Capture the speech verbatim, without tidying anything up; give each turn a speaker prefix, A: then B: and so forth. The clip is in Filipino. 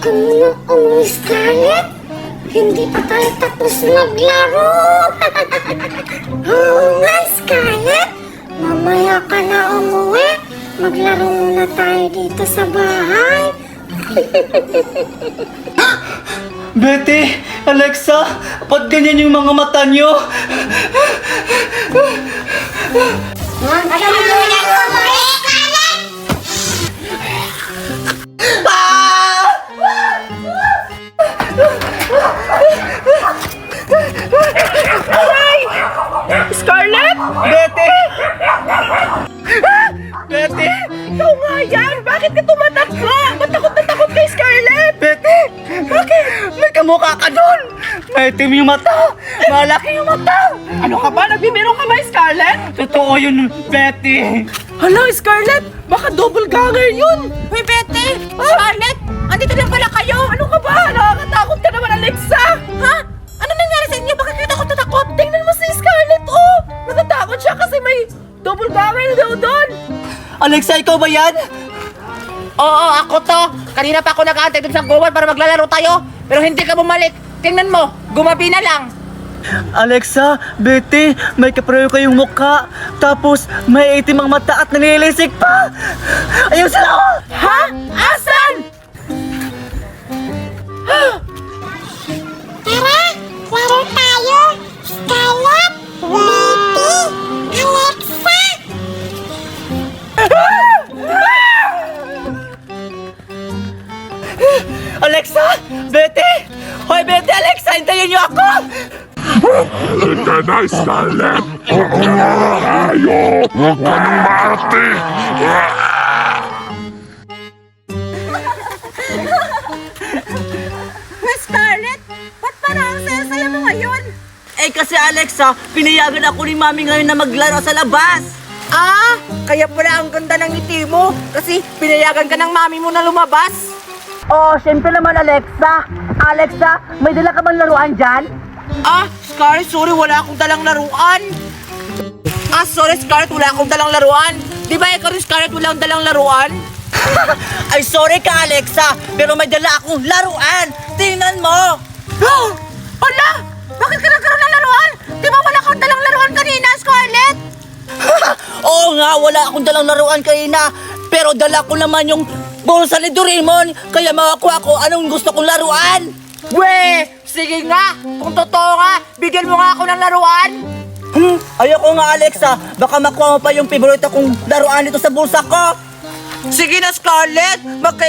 A: ka muna umuwi, Scarlett. Hindi pa tayo tapos maglaro. Oo nga, Scarlett. Mamaya ka na umuwi. Maglaro muna tayo dito sa bahay.
B: Betty, Alexa, ba't ganyan yung mga mata nyo?
A: Alam mo na umuwi, Scarlett!
B: Ah!
C: Scarlett?
B: Betty! Betty!
C: Ikaw nga yan! Bakit ka tumatakbo? Ba't takot na takot kay Scarlett?
B: Betty! Bakit? May kamukha ka doon! May itim yung mata! Malaki yung mata!
C: Ano ka ba? Nagbibiro ka ba, Scarlett?
B: Totoo yun, Betty!
C: Hala, Scarlett! Baka double ganger yun!
D: Hoy, Betty! Scarlett! Andito lang pala kayo!
C: Ano ka ba? Nakakatakot ka naman, Alexa!
D: Ha? Ano nangyari sa inyo? Bakit kayo takot na takot?
C: Tingnan mo si Scarlett, oh! Natatakot siya kasi may double ganger daw doon!
B: Alexa, ikaw ba yan?
D: Oo, ako to! Kanina pa ako nag-aantay dun sa gowan para maglalaro tayo. Pero hindi ka bumalik. Tingnan mo, gumabi na lang.
B: Alexa, Betty, may kapareho kayong mukha. Tapos, may itim ang mata at nanilisik pa! Ayun sila! oh!
C: Ha? Asan?
A: Tara, laro tayo. Scarlett, Betty, Alexa.
B: Alexa! Betty! Hoy, Betty, Alexa, hintayin niyo ako!
E: Halika na, Scarlett! Huwag ka na tayo! Huwag ka nang maarte!
D: Hoy, Scarlett! Ba't parang ang saya-saya mo ngayon?
B: Eh kasi Alexa, pinayagan ako ni Mami ngayon na maglaro sa labas!
D: Ah, kaya pala ang ganda ng ngiti mo. Kasi pinayagan ka ng mami mo na lumabas.
B: Oh, syempre naman Alexa! Alexa, may dala ka bang laruan dyan?
D: Ah, Scarlett, sorry, wala akong dalang laruan. Ah, sorry, Scarlett, wala akong dalang laruan. Di ba ikaw rin, Scarlett, walang dalang laruan?
B: Ay, sorry ka Alexa, pero may dala akong laruan! Tingnan mo!
D: Ala! Bakit ka nagkaroon ng laruan? Di ba wala kang dalang laruan kanina, Scarlett?
B: Oo nga, wala akong dalang laruan kanina, pero dala ko naman yung bulsa ni Doraemon, kaya makakuha ko anong gusto kong laruan!
D: We! Sige nga! Kung totoo nga, bigyan mo nga ako ng laruan!
B: Hmm, ayoko nga Alexa, baka makuha mo pa yung paborito kong laruan dito sa bulsa ko!
D: Sige na, Scarlett! Magka